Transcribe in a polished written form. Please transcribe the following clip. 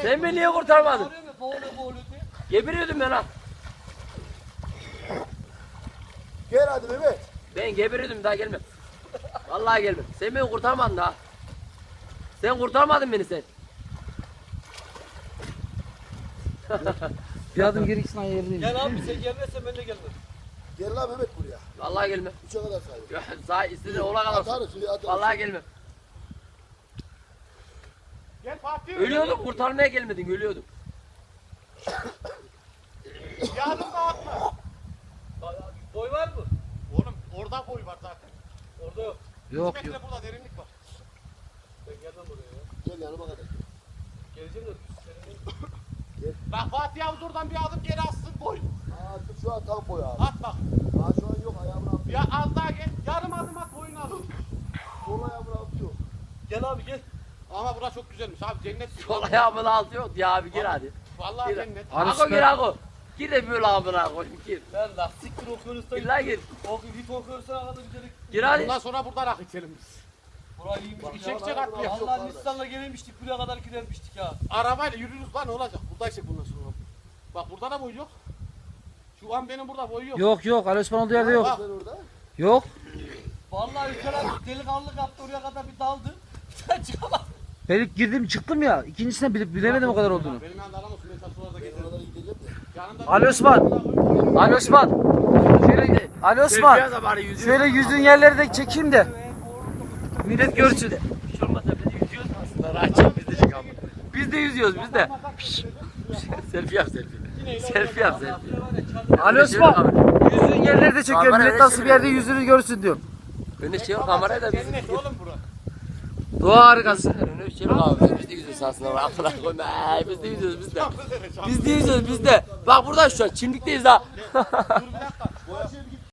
Sen beni niye kurtarmadın? Boğuluyor diye. Geberiyordum ben ha. Gel hadi Mehmet. Ben geberiyordum daha gelmem. Vallahi gelmem. Sen beni kurtarmadın daha. Sen kurtarmadın beni sen. Bir adım geri gitsin ayarlayayım. Gel abi sen gelmezsen ben de gelmem. Gel lan Mehmet buraya. Vallahi gelmem. 3'e kadar say. Sağ istediğin ola kadar. Atarız suyu atarız. Vallahi gelmem. Gel Fatih. Ölüyordum, kurtarmaya gelmedin, ölüyordum. Yardım da atma. Boy var mı? Oğlum orada boy var zaten. Orada yok. Yok 3 yok. metre burada derinlik var. Ben gelmem oraya ya. Gel yanıma kadar. Geleceğim de senin Bak Fatih abi oradan bir adım geri atsın boy. Aa, şu an tam boy abi. At bak. Aa, şu an yok ayağımın altı. Ya az daha gel. Yarım adım at boyunu al. Sol ayağımın altı yok. Gel abi gel. Ama burası çok güzelmiş abi cennet. Sol ayağımın altı yok ya abi gir hadi. Vallahi Gir. cennet. Ako gir Ako. Gir de böyle amına koyayım gir. Ben lastiktir okuyoruz da. Gir lan gir. Hit okuyorsan kadar gidelim. Gir hadi. Bundan sonra burada rakı içelim biz. Burayı iyiymiş. İçe atlıyor. Allah Nisan'la gelmiştik buraya kadar gidermiştik ya. Arabayla yürürüz lan ne olacak? Buradaysak bundan sonra. Bak burada da boy yok. Şu an benim burada boy yok. Yok yok. Ali Osman olduğu yerde yok. Bak. Sen orada. Yok. Vallahi Ülker abi delikanlılık yaptı oraya kadar bir daldı. Sen çıkamadın. Ben ilk girdim çıktım ya. İkincisine bilemedim o kadar olduğunu. Benim yanında aramazsın. Ben sana sonra da Ben getiririm. oralara gideceğim de. Yanında Ali Osman. Ali Osman. Şöyle, Ali Osman. Biraz da bari yüzüyor. Şöyle yüzün yerleri de çekeyim de. Millet görsün. Hiç olmazsa biz de yüzüyoruz aslında. Rahatçım biz de çık ama. Biz de yüzüyoruz biz de. Selfie yap selfie. Selfie yap selfie. Ali Osman. Yüzün yerleri de çekiyorum. Millet nasıl bir yerde yüzünü görsün diyorum. Önüne şey yok kamerayı da biz. Cennet oğlum bura. Doğa harikası. Önüne şey yok abi. Biz de yüzüyoruz aslında. Amına koyayım. Biz de yüzüyoruz biz de. Biz de yüzüyoruz biz de. Bak burada şu an çimlikteyiz ha. Dur bir dakika.